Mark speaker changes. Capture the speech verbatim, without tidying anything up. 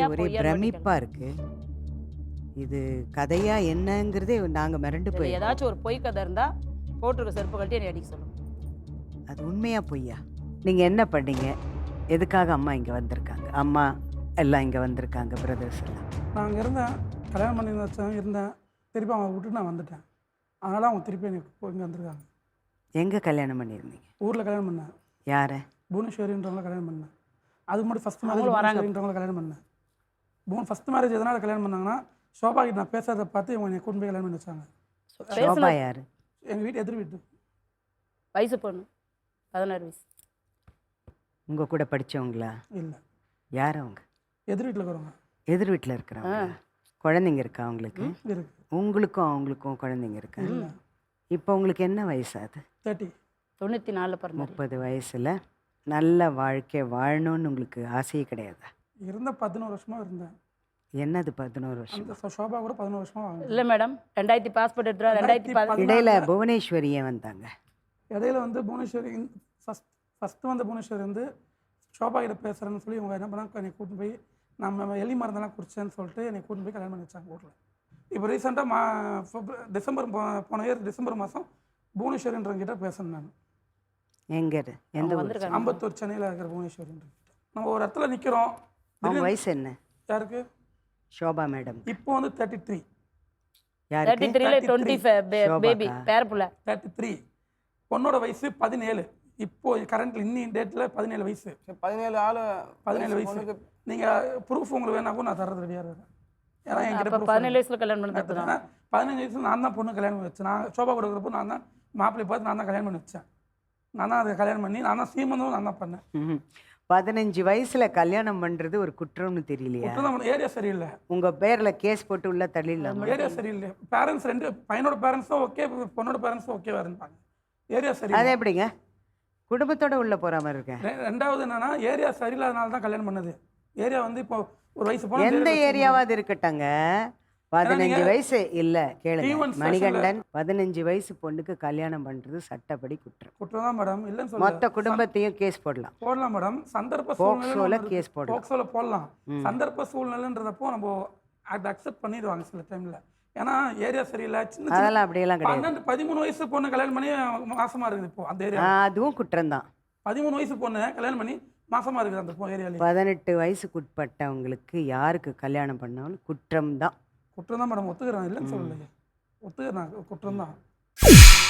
Speaker 1: ஒரே பிரமிப்பா இருக்கு. இது கதையா என்னங்கிறதே நாங்க மிரண்டு
Speaker 2: இதுல
Speaker 1: போய்
Speaker 2: ஏதாச்சும் ஒரு பொய் கதை இருந்தா போட்டுருக்க செருப்பு கழட்டி என்னை அடிக்க சொல்லுங்க.
Speaker 1: அது உண்மையா பொய்யா? நீங்க என்ன பண்ணீங்க? எதுக்காக அம்மா இங்க வந்திருக்காங்க? அம்மா எல்லாம் இங்க வந்திருக்காங்க, பிரதர்ஸ் எல்லாம்.
Speaker 3: நான் அங்கே இருந்தேன், கல்யாணம் பண்ணி வச்சேன், இருந்தேன். திருப்பி அவங்க விட்டு நான் வந்துட்டேன். அதனால் அவங்க திருப்பி எனக்கு இங்கே வந்திருக்காங்க.
Speaker 1: எங்க கல்யாணம் பண்ணியிருந்தீங்க?
Speaker 3: ஊரில் கல்யாணம் பண்ணேன்.
Speaker 1: யார?
Speaker 3: புவனேஸ்வரின்றவங்கள கல்யாணம் பண்ணேன். அது மட்டும் ஃபஸ்ட் மேரேஜ்
Speaker 2: அவங்களும் வராங்க.
Speaker 3: புவனேஸ்வரின்றவங்கள கல்யாணம் பண்ணேன். புவன் ஃபஸ்ட் மேரேஜ் எதனால் கல்யாணம் பண்ணாங்கன்னா, சோபா கிட்ட நான் பேசுறதை பார்த்து இவங்க என்னை கூட்டு போய் கல்யாணம் பண்ணி வச்சாங்க.
Speaker 1: சோபா
Speaker 2: பேசுன
Speaker 1: யாரு?
Speaker 3: எங்கள் வீட்டு எதிர் வீட்டு.
Speaker 2: வயசு பொண்ணு பதினாறு வயசு.
Speaker 1: உங்க கூட படிச்சவங்களா?
Speaker 3: இல்லை,
Speaker 1: யார் அவங்க?
Speaker 3: எதிர் வீட்டில் இருக்கிறவங்க.
Speaker 1: எதிர் வீட்டில் இருக்கிறாங்க. குழந்தைங்க இருக்கா அவங்களுக்கு?
Speaker 3: இருக்கு.
Speaker 1: உங்களுக்கும் அவங்களுக்கும் குழந்தைங்க இருக்கா?
Speaker 3: இல்லை,
Speaker 1: இப்போ உங்களுக்கு என்ன வயசு ஆகுது?
Speaker 3: தேர்ட்டி.
Speaker 2: தொண்ணூற்றி நாலில் பிறந்தாரு.
Speaker 1: முப்பது வயசுல நல்ல வாழ்க்கை வாழணும்னு உங்களுக்கு ஆசையே கிடையாதா?
Speaker 3: இருந்த பதினோரு வருஷமாக இருந்தேன்.
Speaker 1: என்னது பதினோரு வருஷம்?
Speaker 3: அந்த சோ- சோபா கூட பதினோரு வருஷமாக வாங்க.
Speaker 2: இல்லை மேடம், ரெண்டாயிரத்தி பாஸ்போர்ட் எடுத்துருவா ரெண்டாயிரத்தி பதி
Speaker 1: இடையில புவனேஸ்வரி ஏன் வந்தாங்க?
Speaker 3: இடையில வந்து புவனேஸ்வரி ஃபஸ்ட் ஃபஸ்ட்டு வந்த புவனேஸ்வரி வந்து சோபா கிட்ட பேசுகிறேன்னு சொல்லி இவங்க என்ன பண்ணாங்க, என்னை கூட்டின்னு போய் நம்ம எலி மருந்தெல்லாம் குடிச்சேன்னு சொல்லிட்டு என்னை கூட்டின்னு போய் கல்யாணம் பண்ணி வச்சாங்க ஊரில். இப்போ ரீசெண்டாக மா பிப்ர- டிசம்பர் போ- போன இயர் டிசம்பர் மாதம் புவனேஸ்வரின்றவங்கிட்ட பேசணும் நான்.
Speaker 1: எங்க இரு? எந்த ஊர்?
Speaker 2: வந்திருக்காங்க.
Speaker 3: அம்பத்தூர் சென்னையில் இருக்கிற புவனேஸ்வரின்றவங்கிட்ட நம்ம ஒரு இடத்துல நிற்கிறோம்.
Speaker 1: அவங்க வயசு என்ன?
Speaker 3: யாருக்கு?
Speaker 1: சோபா மேடம்.
Speaker 3: இப்போ வந்து தேர்ட்டி த்ரீ
Speaker 2: தேர்ட்டி
Speaker 1: யாருக்கு?
Speaker 2: த்ரீல டுவெண்ட்டி பேபி
Speaker 1: சோபாக்கா?
Speaker 2: பேரப்புல.
Speaker 3: தேர்ட்டி த்ரீ பொண்ணோட வயசு பதினேழு. இப்போ கரண்ட்ல இன்னி டேட்டில் பதினேழு வயசு.
Speaker 4: பதினேழு ஆள்
Speaker 3: பதினேழு வயசு. நீங்கள் ப்ரூஃப் உங்களுக்கு வேணாக்கும் நான் தர்றது ரெடியாக இருக்கேன். ஏன்னா என்கிட்ட
Speaker 2: அப்போ
Speaker 3: proof
Speaker 2: பதினேழு
Speaker 3: இருக்கு.
Speaker 2: வயசுல கல்யாணம் பண்ணி தப்புதான்.
Speaker 3: ஏன்னா, பதினஞ்சு வயசுல நான் தான் பொண்ணு கல்யாணம் பண்ணி வச்சேன். நான் சோபா கொடுக்குறப்போ நான் தான் மாப்பிள்ளை பார்த்து நான் தான் கல்யாணம் பண்ணி வச்சேன். நான் தான் அதை கல்யாணம் பண்ணி நான் தான் சீமந்தும் நான் தான் பண்ணேன்.
Speaker 1: ம்ஹும். பதினஞ்சு வயசுல கல்யாணம் பண்றது ஒரு குற்றம்னு தெரியலையா?
Speaker 3: ஏரியா சரியில்லை.
Speaker 1: உங்க பேர்ல கேஸ் போட்டு உள்ள தள்ளிடலாம்.
Speaker 3: ஏரியா சரியில்லை. பேரண்ட்ஸ் ரெண்டு பையனோட பேரண்ட்ஸும் ஓகே, பொண்ணோட பேரண்ட்ஸும் ஓகேவா இருப்பாங்க. ஏரியா
Speaker 1: அது
Speaker 3: சரியில்லை.
Speaker 1: எப்படிங்க குடும்பத்தோட உள்ள போற மாதிரி இருக்கேன்?
Speaker 3: ரெ- ரெண்டாவது என்னன்னா ஏரியா சரியில்லாதனால தான் கல்யாணம் பண்ணது. ஏரியா வந்து இப்போ ஒரு வயசு போன
Speaker 1: எந்த ஏரியாவாது இருக்கட்டங்க. பதினஞ்சு
Speaker 3: நீங்க-
Speaker 1: வயசு இல்ல கேளுங்க
Speaker 3: T one
Speaker 1: மணிகண்டன், பதினஞ்சு வயசு பொண்ணுக்கு கல்யாணம் பண்றது சட்டப்படி குற்றம்.
Speaker 3: குற்றம் தான் மேடம், இல்லைன்னு
Speaker 1: மொத்த
Speaker 3: சொல்ல
Speaker 1: குடும்பத்தையும் கேஸ் போடலாம்.
Speaker 3: போடலாம் மேடம். சந்தர்ப்ப
Speaker 1: போக்சோல
Speaker 3: சூழ்நிலை
Speaker 1: கேஸ் போடலாம்.
Speaker 3: போக்சோல போடலாம். சந்தர்ப்ப சூழ்நிலைன்றதப்போ நம்ம அதை அக்செப்ட் பண்ணிடுவாங்க சில டைம்ல. ஏன்னா ஏரியா சரியில்லை. சின்ன சின்ன
Speaker 1: அதெல்லாம் அப்படியெல்லாம் கிடையாது.
Speaker 3: பன்னெண்டு பதிமூணு வயசு பொண்ணு கல்யாணம் பண்ணி மாசமா இருக்குது. இப்போ அந்த ஏரியா
Speaker 1: ஆ, அதுவும் குற்றம் தான்.
Speaker 3: பதிமூணு வயசு பொண்ணு கல்யாணம் பண்ணி மாசமா இருக்குது அந்த ஏரியாலே.
Speaker 1: பதினெட்டு வயசுக்குட்பட்டவங்களுக்கு யாருக்கு கல்யாணம் பண்ணாலும் குற்றம் தான்.
Speaker 3: குற்றம் தான் மேடம், ஒத்துக்கிறேன், இல்லைன்னு சொல்லலையே, ஒத்துக்கிறேன், குற்றம் தான்.